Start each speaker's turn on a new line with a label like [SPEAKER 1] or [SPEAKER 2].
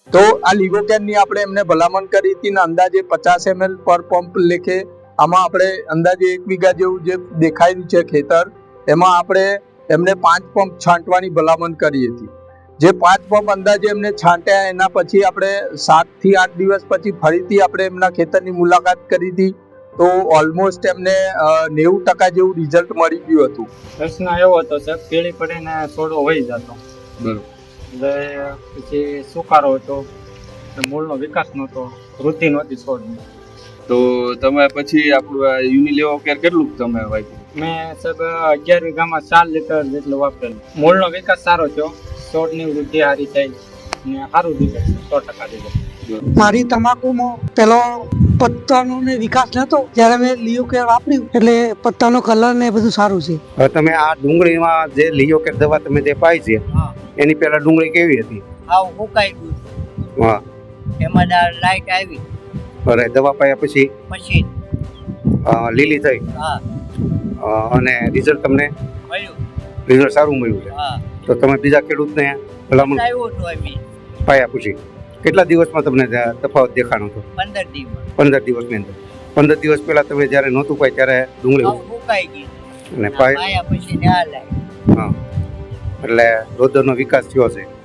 [SPEAKER 1] તો આ લિગોકેનની આપણે એમને ભલામણ કરી હતી ને અંદાજે 50 ml પર પંપ લેખે આમાં આપણે અંદાજે 1 વીઘા જેવું જે દેખાયું છે ખેતર એમાં આપણે એમને 5 પંપ છાંટવાની ભલામણ કરી હતી। જે 5 પંપ અંદાજે એમને છાંટ્યા એના પછી આપણે 7 થી 8 દિવસ પછી ફરીથી આપણે એમના ખેતરની મુલાકાત કરી હતી તો ઓલમોસ્ટ એમને 90% જેવું રિઝલ્ટ મળી ગયું હતું।
[SPEAKER 2] પ્રશ્ન એવો હતો સાહેબ, પીળી પડીને છોડવો વહી જતો,
[SPEAKER 3] બરોબર,
[SPEAKER 2] એટલે પછી સુકારો હતો, મૂળનો વિકાસ નહોતો, વૃદ્ધિ નહોતી છોડની।
[SPEAKER 3] તો તમે પછી આપણું આ યુનિલેવો કેર કેટલું તમે વાપર્યું?
[SPEAKER 2] મેં સાહેબ 11 વીઘામાં 4 લીટર જેટલું વાપરેલું। મૂળનો વિકાસ સારો થયો, છોડની વૃદ્ધિ સારી થઈ ને સારું રિઝલ્ટ 100% રિઝલ્ટ।
[SPEAKER 4] મારી તમાકુમાં પેલો પત્તાનો ને વિકાસ નતો, જ્યારે મેં લિયોકેર વાપર્યું એટલે પત્તાનો કલર ને બધું સારું છે।
[SPEAKER 5] હવે તમે આ ડુંગળીમાં જે લિયોકેર દવા તમે જે પાઈ છે એની પહેલા ડુંગળી કેવી હતી?
[SPEAKER 6] આવ હુકાઈ ગયું,
[SPEAKER 5] હા,
[SPEAKER 6] એમાં લાઈટ આવી,
[SPEAKER 5] અરે દવા પાયા પછી
[SPEAKER 6] પછી
[SPEAKER 5] લીલી થઈ
[SPEAKER 6] હા
[SPEAKER 5] અને રિઝલ્ટ તમને
[SPEAKER 6] મળ્યું,
[SPEAKER 5] રિઝલ્ટ સારું મળ્યું છે।
[SPEAKER 6] હા
[SPEAKER 5] તો તમે બીજા ખેડૂતને ભલામણ
[SPEAKER 6] આવ્યું હતું અમે
[SPEAKER 5] પાયા પછી કેટલા દિવસમાં તમને તફાવત દેખાણો હતો?
[SPEAKER 6] 15 દિવસ
[SPEAKER 5] 15 દિવસની અંદર। 15 દિવસ પહેલા તમે જ્યારે નહોતું પાય ત્યારે ડુંગળી
[SPEAKER 6] આવ હુકાઈ ગઈ
[SPEAKER 5] અને પાય,
[SPEAKER 6] પાયા પછી ને આ લાઈ
[SPEAKER 5] હા, એટલે રોદરનો વિકાસ થયો છે।